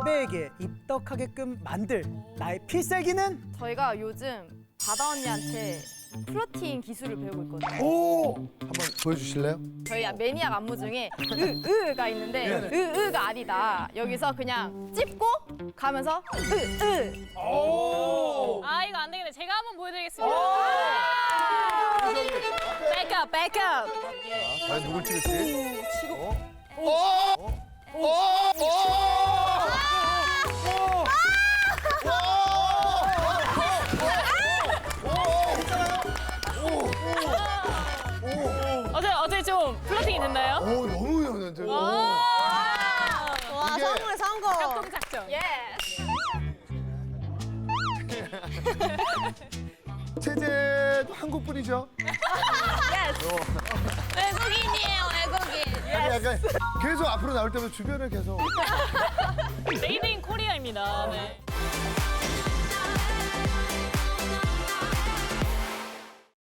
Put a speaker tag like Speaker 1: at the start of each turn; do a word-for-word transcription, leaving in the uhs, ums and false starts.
Speaker 1: 레베에게 입덕하게끔 만들 나의 필살기는?
Speaker 2: 저희가 요즘 바다 언니한테 플러팅 기술을 배우고 있거든요.
Speaker 1: 오!
Speaker 3: 한번 보여주실래요?
Speaker 2: 저희 매니악 안무 중에 으, 으가 있는데 으, 으가 아니다. 여기서 그냥 찝고 가면서 으, 으.
Speaker 1: 오!
Speaker 4: 아 이거 안 되겠네. 제가 한번 보여드리겠습니다. 백업, 백업.
Speaker 3: 과연 누굴 찍을지?
Speaker 2: 치고.
Speaker 4: 어제 어제 좀 플러팅이 됐나요?
Speaker 3: 오, 너무 연연해.
Speaker 4: 와,
Speaker 5: 와,
Speaker 3: 이게-
Speaker 5: 성공해, 성공.
Speaker 4: 협동 작전.
Speaker 2: 예.
Speaker 3: 체제도 한국분이죠?
Speaker 4: 외국인이에요, 외국인.
Speaker 3: 약간 계속 앞으로 나올 때마다 주변을 계속.
Speaker 4: 메이드 인 코리아입니다. 네.